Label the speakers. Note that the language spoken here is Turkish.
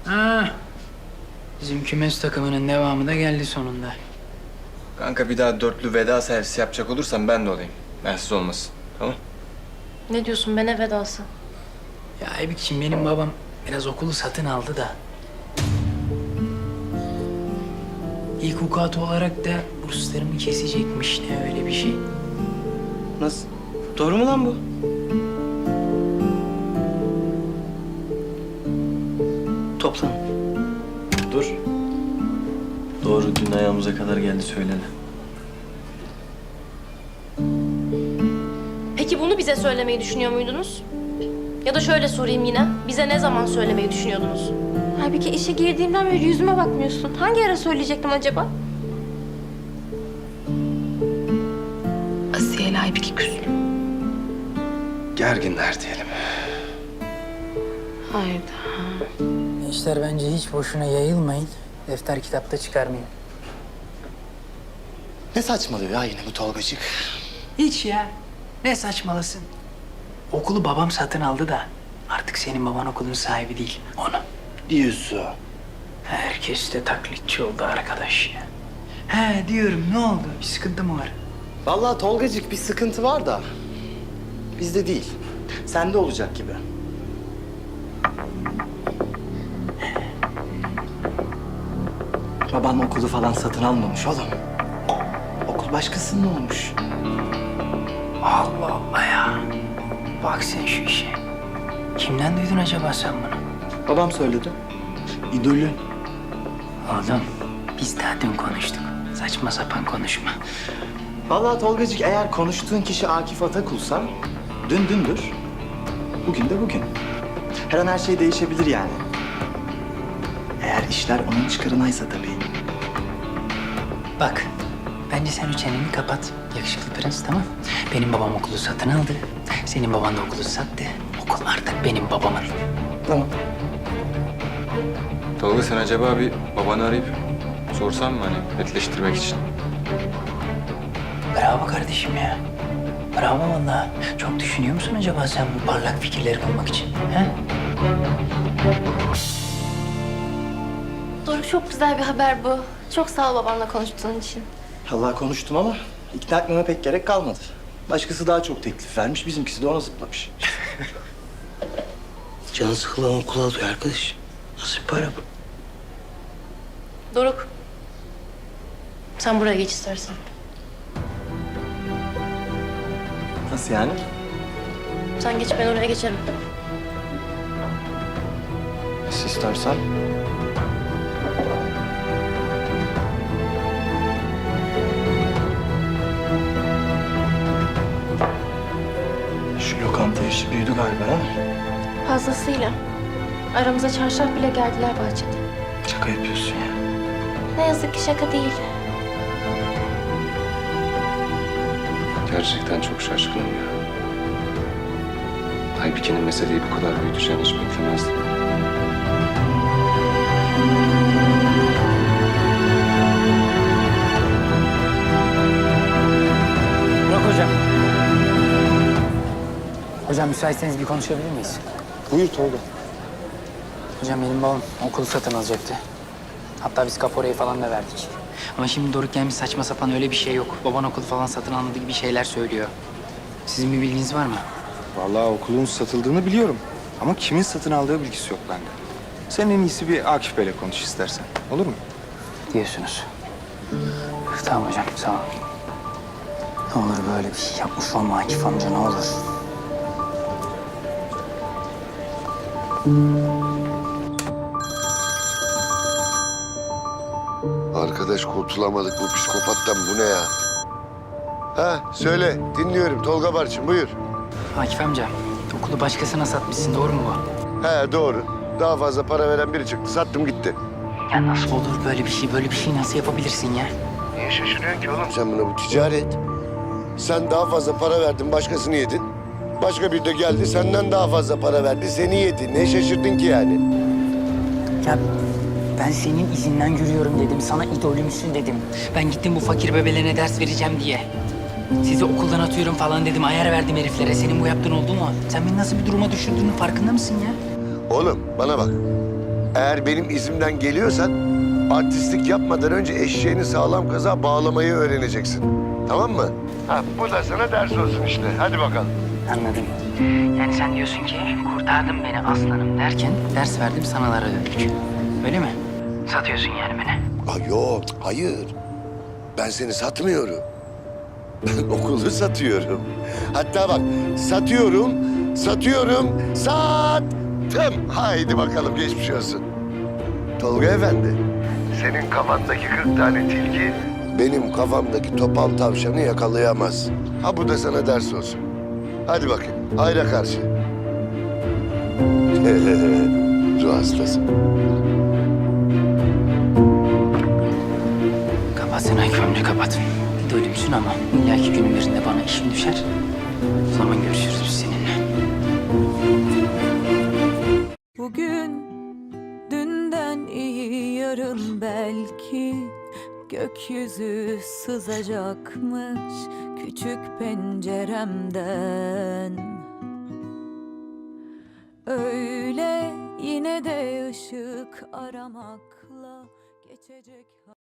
Speaker 1: Ha, bizim kümes takımının devamı da geldi sonunda.
Speaker 2: Kanka bir daha dörtlü veda servisi yapacak olursam ben de olayım. Bensiz olmasın. Tamam?
Speaker 3: Ne diyorsun be, ne vedası?
Speaker 1: Ya Aybik'ciğim benim babam biraz okulu satın aldı da. İlk vukuatı olarak da burslarımı kesecekmiş, ne öyle bir şey.
Speaker 4: Nasıl? Doğru mu lan bu? Toplan. Dur. Doğru, dün ayağımıza kadar geldi söyledi.
Speaker 3: Peki bunu bize söylemeyi düşünüyor muydunuz? Ya da şöyle sorayım yine, bize ne zaman söylemeyi düşünüyordunuz?
Speaker 5: Halbuki işe girdiğimden beri yüzüme bakmıyorsun. Hangi ara söyleyecektim acaba?
Speaker 6: Asiye ile Aybiki küs.
Speaker 2: Gerginler diyelim.
Speaker 6: Hayda.
Speaker 1: Gençler bence hiç boşuna yayılmayın. Defter kitapta çıkarmayın.
Speaker 4: Ne saçmalıyor ya yine bu Tolgacık?
Speaker 1: Hiç ya. Ne saçmalasın. Okulu babam satın aldı da artık senin baban okulun sahibi değil. Onu.
Speaker 4: Diyorsun.
Speaker 1: Herkes de taklitçi oldu arkadaş ya. He diyorum, ne oldu? Bir sıkıntı mı var?
Speaker 4: Vallahi Tolgacık bir sıkıntı var da bizde değil. Sende olacak gibi. Baban okulu falan satın almamış oğlum. Okul başkasının olmuş.
Speaker 1: Allah Allah ya. Bak sen şu işe. Kimden duydun acaba sen bunu?
Speaker 4: Babam söyledi. İdolün.
Speaker 1: Oğlum biz daha dün konuştuk. Saçma sapan konuşma.
Speaker 4: Vallahi Tolgacık eğer konuştuğun kişi Akif Atakul'sa dün dündür, bugün de bugün. Her an her şey değişebilir yani. Eğer işler onun çıkarınaysa tabii.
Speaker 1: Bak bence sen üç çeneni kapat. Yakışıklı prens, tamam. Benim babam okulu satın aldı. Senin baban da okulu sattı. Okul artık benim babamın.
Speaker 4: Tamam.
Speaker 2: Tolga sen acaba bir babanı arayıp sorsan mı hani netleştirmek için?
Speaker 1: Bravo kardeşim ya. Bravo vallahi. Çok düşünüyor musun acaba sen bu parlak fikirleri bulmak için? He?
Speaker 5: Doruk, çok güzel bir haber bu. Çok sağ ol babanla konuştuğun için.
Speaker 4: Allah konuştum ama ikna etmeme pek gerek kalmadı. Başkası daha çok teklif vermiş, bizimkisi de ona zıplamış.
Speaker 7: Canı sıkılan okul alıyor arkadaş. Nasıl bir para bu?
Speaker 3: Doruk, sen buraya geç istersen.
Speaker 4: Nasıl yani?
Speaker 3: Sen geç, ben oraya geçerim.
Speaker 4: Nasıl istersen. Şu lokanta işi büyüdü galiba ha?
Speaker 5: Fazlasıyla. Aramıza çarşaf bile geldiler bahçede.
Speaker 4: Şaka yapıyorsun ya.
Speaker 5: Ne yazık ki şaka değil.
Speaker 2: Gerçekten çok şaşkınım ya. Aybiki'nin meseleyi bu kadar büyüteceğini hiç beklemezdim.
Speaker 1: Burak hocam. Hocam müsaitseniz bir konuşabilir miyiz?
Speaker 2: Buyur Tolga.
Speaker 1: Hocam benim babam okulu satın alacaktı. Hatta biz kaporayı falan da verdik. Ama şimdi Doruk gelmiş, saçma sapan öyle bir şey yok. Baban okulu falan satın almadı gibi şeyler söylüyor. Sizin bir bilginiz var mı?
Speaker 8: Vallahi okulun satıldığını biliyorum. Ama kimin satın aldığı bilgisi yok bende. Sen en iyisi bir Akif Bey'le konuş istersen. Olur mu?
Speaker 1: Diyorsunuz. Tamam hocam, sağ ol. Ne olur böyle bir şey yapmış olma Akif amca, ne olur.
Speaker 9: Arkadaş kurtulamadık bu psikopattan, bu ne ya? Ha söyle, dinliyorum Tolga Barçın, buyur.
Speaker 1: Akif amca, okulu başkasına satmışsın, doğru mu bu?
Speaker 9: He doğru. Daha fazla para veren biri çıktı. Sattım gitti.
Speaker 1: Ya nasıl olur böyle bir şey? Böyle bir şey nasıl yapabilirsin ya?
Speaker 9: Niye şaşırıyorsun ki oğlum? Sen buna, bu ticaret. Sen daha fazla para verdin, başkasını yedin. Başka biri de geldi, senden daha fazla para verdi, seni yedi. Ne şaşırdın ki yani?
Speaker 1: Ya ben senin izinden yürüyorum dedim. Sana idolümsün dedim. Ben gittim bu fakir bebelerine ders vereceğim diye. Sizi okuldan atıyorum falan dedim. Ayar verdim heriflere. Senin bu yaptığın oldu mu? Sen beni nasıl bir duruma düşürdüğünün farkında mısın ya?
Speaker 9: Oğlum bana bak. Eğer benim izimden geliyorsan artistlik yapmadan önce eşeğini sağlam kaza bağlamayı öğreneceksin. Tamam mı? Ha, bu da sana ders olsun işte. Hadi bakalım.
Speaker 1: Anladım. Yani sen diyorsun ki kurtardın beni aslanım derken ders verdim sanalara döndük. Öyle mi? Satıyorsun yani beni.
Speaker 9: Aa, yok, hayır. Ben seni satmıyorum. Ben okulu satıyorum. Hatta bak, satıyorum, sattım. Haydi bakalım, geçmiş olsun. Tolga Efendi, senin kafandaki 40 tane tilki benim kafamdaki topal tavşanı yakalayamaz. Ha, bu da sana ders olsun. Hadi bakayım, hayra karşı. Ruh hastası.
Speaker 1: Kapat sen Aykut amca kapat. Bir de ölümsün ama illaki günün birinde bana işim düşer. O zaman görüşürüz biz seninle.
Speaker 10: Bugün dünden iyi yarın belki gökyüzü sızacakmış küçük penceremden. Öyle yine de ışık aramakla geçecek.